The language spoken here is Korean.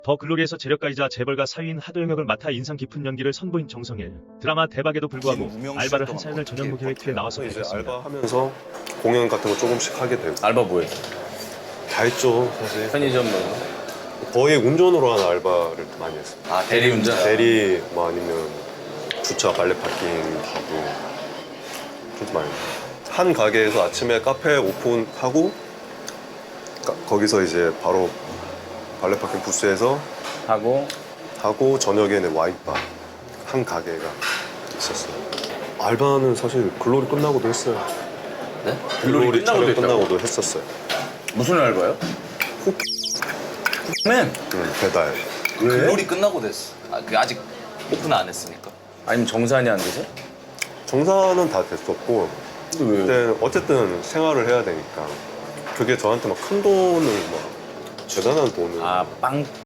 더 글로리에서 재력가이자 재벌가 사위인 하도영 역을 맡아 인상 깊은 연기를 선보인 정성일. 드라마 대박에도 불구하고 알바를 한 사연을 전현무 계획팀에 나와서 이제 밝혔습니다. 알바하면서 공연 같은 거 조금씩 하게 되고 알바 뭐해? 다 했죠 사실. 편의점 뭐. 거의 운전으로 하는 알바를 많이 했어요. 아 대리운전? 대리 뭐 아니면 주차 발레 파킹 하고 좀 많이 했어요. 한 가게에서 아침에 카페 오픈하고 거기서 이제 바로 발레 파킹 부스에서 하고 저녁에는 와인바 한 가게가 있었어요. 알바는 사실 글로리 끝나고도 했어요. 네? 글로리 촬영 했다고? 끝나고도 했었어요. 무슨 알바요? 맨. 배달. 글로리 끝나고 됐어. 그 아직 오픈 안 했으니까. 아니면 정산이 안 되세요? 정산은 다 됐었고 근데 왜? 그때 어쨌든 생활을 해야 되니까 그게 저한테 막 큰 돈을 막 대단한 돈을 아 빵